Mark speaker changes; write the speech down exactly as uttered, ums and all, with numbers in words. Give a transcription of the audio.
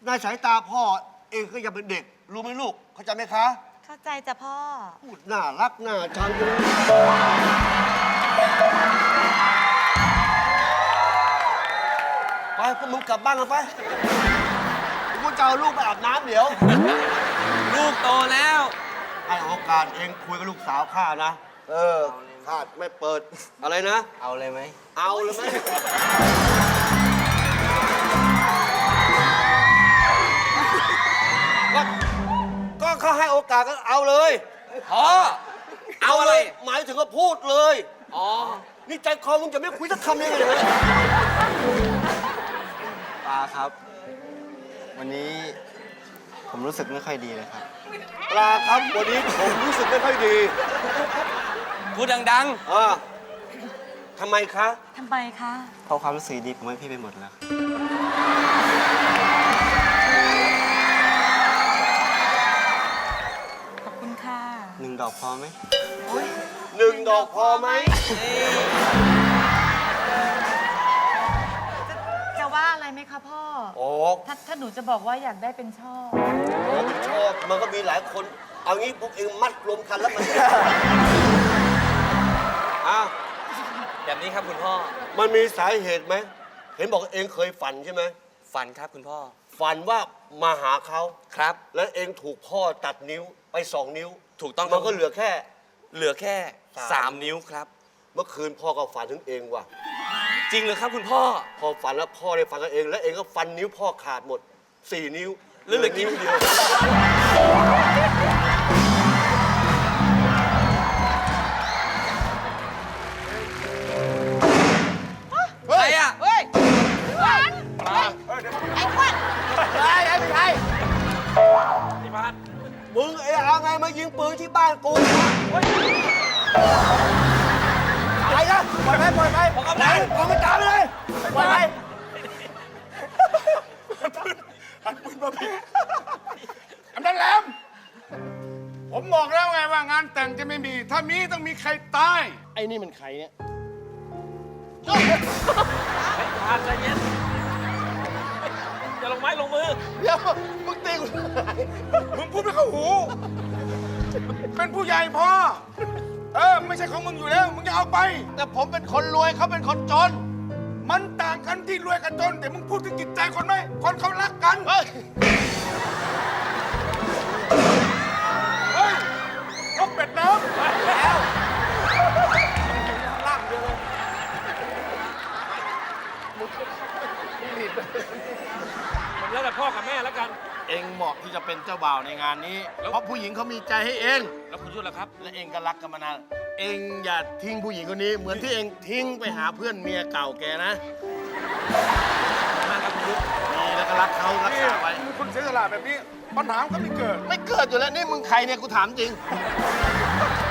Speaker 1: ในสายตาพ่อเองก็ยังเป็นเด็กรู้ไหมลูกเข้าใจไหมคะ
Speaker 2: เข้าใจจ้ะพ่อ
Speaker 1: พูดน่ารักน่าชังเลยไปพวกมึงกลับบ้านกันไปกูจะเอาลูกไปอาบน้ำเดี๋ยว
Speaker 3: ลูกโตแล้ว
Speaker 1: ให้โอกาสเองคุยกับลูกสาวข้านะเออข้าไม่เปิดอะไรนะ
Speaker 3: เอาเลยไหม
Speaker 1: เอาเลยไหมก็ก็เขาให้โอกาสก็เอาเลย
Speaker 3: พ่อเอาอะไร
Speaker 1: หมายถึงก็พูดเลย
Speaker 3: อ๋อ
Speaker 1: นี่ใจคอมึงจะไม่คุยสักคำเลยเหรอ
Speaker 4: ตาครับวันนี้ผมรู้สึกไม่ค่อยดีเลยครับ
Speaker 1: ปลาครับวันนี้ผมรู้สึกไม่ค่อยดี
Speaker 3: พูดดัง
Speaker 1: ๆเออทำไมคะ
Speaker 2: ทำไมคะ
Speaker 4: เพราะความรู้สึกดีผมให้พี่ไปหมดแล้ว
Speaker 2: ขอบคุณค่ะ
Speaker 4: หนึ่งดอกพอไหม
Speaker 1: หนึ่งดอกพอไหม
Speaker 2: จะว่าอะไรไหมคะพ่อ
Speaker 1: โอ้
Speaker 2: ถ้าถ้าหนูจะบอกว่าอยากได้เป็นช่อ
Speaker 1: โอ้เป็นช่อมันก็มีหลายคนเอางี้พวกเองมัดรวมกันแล้วมันอ้าว
Speaker 3: แบบนี้ครับคุณพ่อ
Speaker 1: มันมีสาเหตุไหมเห็นบอกเองเคยฝันใช่ไหม
Speaker 3: ฝันครับคุณพ่อ
Speaker 1: ฝันว่ามาหาเขา
Speaker 3: ครับ
Speaker 1: แล้วเองถูกพ่อตัดนิ้วไปสองนิ้ว
Speaker 3: ถูกต้อง
Speaker 1: มันก็เหลือแค่
Speaker 3: เหลือแค่สามนิ้วครับ
Speaker 1: เมื่อคืนพ่อก็ฝันถึงเองว่ะ
Speaker 3: จริงเหรอครับคุณพ่อ
Speaker 1: พอฝันแล้วพ่อได้ฝันกับเองแล้วเองก็ฟันนิ้วพ่อขาดหมดสี่นิ้ว
Speaker 3: เหลือนิ้วเดียวใครอ่ะ
Speaker 2: เฮ้ยหวานไอ้ควัน
Speaker 1: ไอ้ไอ้ไม่ใช่
Speaker 3: ไอ้พัด
Speaker 1: มึงเอ้เอาไงมายิงปืนที่บ้านกูไปนะปล่อยไปปล่อยไป
Speaker 3: ผมกำลัง
Speaker 1: ผมไม่ตามเลยปล่อยไป
Speaker 5: อันปืนมาผิดอันนั้นแหลมผมบอกแล้วไงว่างานแต่งจะไม่มีถ้ามีต้องมีใครตายไอ้นี่มันใครเนี่ย
Speaker 3: พาใจเย็นอย่าลงไม้ลงมือ
Speaker 5: เดี๋ยวมึงตีกูมึงพูดไม่เข้าหูเป็นผู้ใหญ่พ่อเออไม่ใช่ของมึงอยู่แล้วมึงจะเอาไปแต่ผมเป็นคนรวยเขาเป็นคนจนมันต่างกันที่รวยกับจนแต่มึงพูดถึงจิตใจคนไหมคนเขารักกันเฮ้ยเฮ้ยนกเป็ดน้ำแล้วล่างเดียวเลย
Speaker 3: มันแล้วแต่พ่อกับแม่แล้วกัน
Speaker 5: เองเหมาะที่จะเป็นเจ้าบ่าวในงานนี้เพราะผู้หญิงเขามีใจให้เอง
Speaker 3: แล้วคุณยุ่นล่ะครับ
Speaker 5: และเองก็รักกันมานานเองอย่าทิ้งผู้หญิงคนนี้เหมือนที่เองทิ้งไปหาเพื่อนเมียเก่าแกนะ
Speaker 3: มากครับคุณยุ่น
Speaker 5: มีแล้วก็รักเขารักษาไว้คุณเสียสละแบบนี้ปัญหาก็ไม่เกิดไม่เกิดอยู่แล้วนี่มึงใครเนี่ยกูถามจริง